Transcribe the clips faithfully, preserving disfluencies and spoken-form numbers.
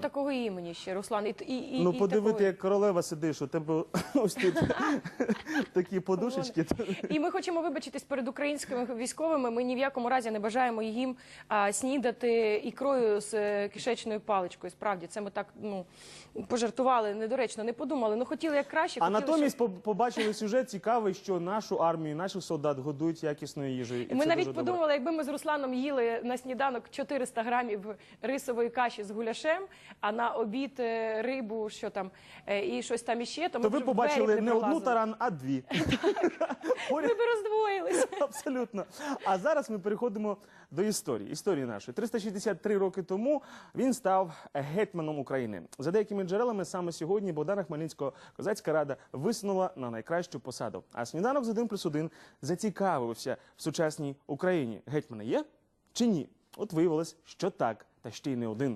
такого імені ще, Руслан. І, і, і, Ну, і подивити, такої... як королева сидиш, у тебе ось тут такі подушечки. І ми хочемо вибачитись перед українськими військовими. Ми ні в якому разі не бажаємо їм а, снідати ікрою з е, кишечною паличкою. Справді, це ми так, ну, пожартували, недоречно, не подумали. Ну, хотіли як краще. А хотіли, натомість щоб... побачили сюжет цікавий, що нашу армію, наших солдат годують якісною їжею. І ми це навіть дуже подумали, добре. якби ми з Русланом їли на сніданок чотириста грамів рисової каші з гуляшем, а на обід е, рибу, що там, е, і щось там іще, то ми То б ви вже побачили двері не одну пролазили. таран, а дві. Ми б роздвоїлися. Абсолютно. А зараз ми переходимо до історії. Історії нашої. триста шістдесят три роки тому він став гетьманом України. За деякими джерелами, саме сьогодні Богдана Хмельницького Козацька рада висунула на найкращу посаду. А сніданок з один плюс один зацікавився в сучасній Україні. Гетьмани є чи ні? От виявилось, що так, та ще й не один.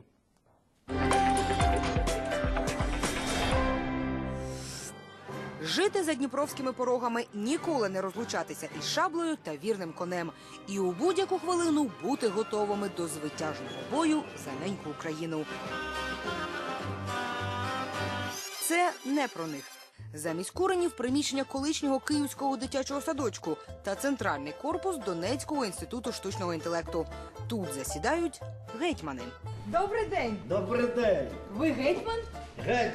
Жити за дніпровськими порогами, ніколи не розлучатися із шаблею та вірним конем. І у будь-яку хвилину бути готовими до звитяжного бою за неньку Україну. Це не про них. Замість куренів – приміщення колишнього київського дитячого садочку та центральний корпус Донецького інституту штучного інтелекту. Тут засідають гетьмани. Добрий день! Добрий день! Ви гетьман? Геть!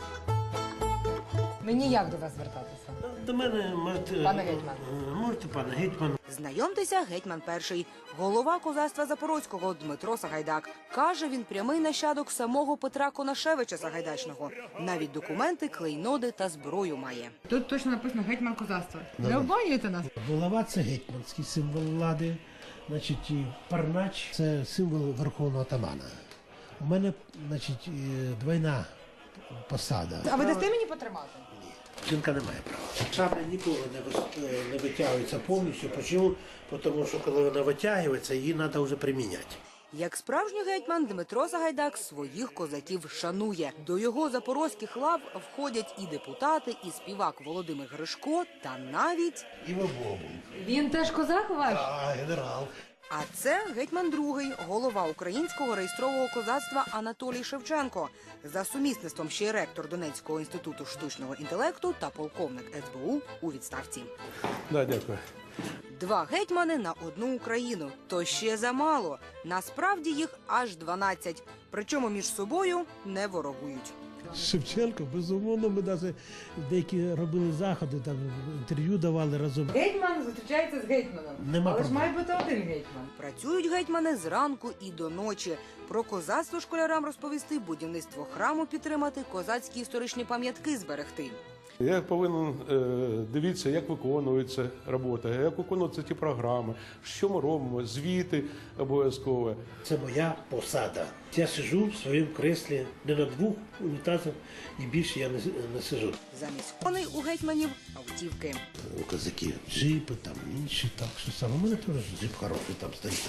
Мені як до вас звертатися? До мене можете... Пане гетьман. Можете, пане гетьман. Знайомтеся, гетьман перший. Голова козацтва Запорозького Дмитро Сагайдак. Каже, він прямий нащадок самого Петра Конашевича Сагайдачного. Навіть документи, клейноди та зброю має. Тут точно написано гетьман козацтва. Не обманюєте нас? Булава – це гетьманський символ влади, значить, і парнач – це символ верховного атамана. У мене, значить, двойна посада. А ви дасте мені потримати? Жінка не має права. Шабля ніколи не, вис- не витягується повністю. Чому? Тому що коли вона витягується, її треба вже приміняти. Як справжній гетьман, Дмитро Сагайдак своїх козаків шанує. До його запорозьких лав входять і депутати, і співак Володимир Гришко, та навіть... І Бобу. Він теж козак ваш? А, генерал. А це гетьман другий, голова українського реєстрового козацтва Анатолій Шевченко. За сумісництвом ще й ректор Донецького інституту штучного інтелекту та полковник ес бе у у відставці. Да, дякую. Два гетьмани на одну Україну. То ще замало. Насправді їх аж дванадцять. Причому між собою не ворогують. Шевченко, безумовно, ми навіть деякі робили заходи, там інтерв'ю давали разом. Гетьман зустрічається з гетьманом. Нема Але ж проблем. має бути один гетьман. Працюють гетьмани зранку і до ночі. Про козацтво школярам розповісти, будівництво храму підтримати, козацькі історичні пам'ятки зберегти. Я повинен е, дивитися, як виконується робота, як виконуються ті програми, що ми робимо, звіти обов'язково. Це моя посада. Я сиджу в своєму креслі не на двох унітазах і більше я не, не сиджу. Замість коней у гетьманів – автівки. У козаків джипи, там інші, так що саме. У мене теж джип хороший там стоїть.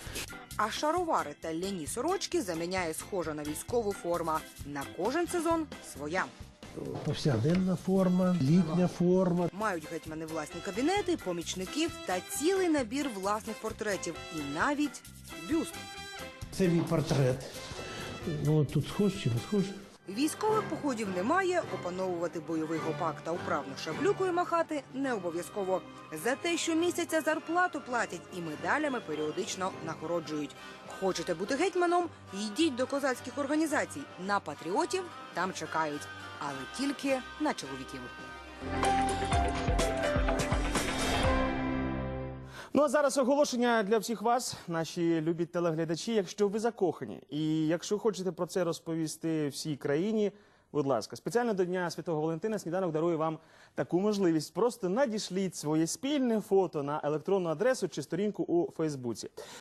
А шаровари та ляні сорочки заміняє схожа на військову форма. На кожен сезон – своя. Повсякденна форма, літня форма. Мають гетьмани власні кабінети, помічників та цілий набір власних портретів. І навіть бюст. Це мій портрет. Ну, тут схож чи не схож? Військових походів немає, опановувати бойовий гопак та вправно шаблюкою махати не обов'язково. За те, що місяця зарплату платять і медалями періодично нагороджують. Хочете бути гетьманом? Йдіть до козацьких організацій. На патріотів там чекають. Але тільки на чоловіків. Ну а зараз оголошення для всіх вас, наші любі телеглядачі. Якщо ви закохані і якщо хочете про це розповісти всій країні, будь ласка, спеціально до Дня Святого Валентина сніданок дарує вам таку можливість. Просто надішліть своє спільне фото на електронну адресу чи сторінку у Фейсбуці.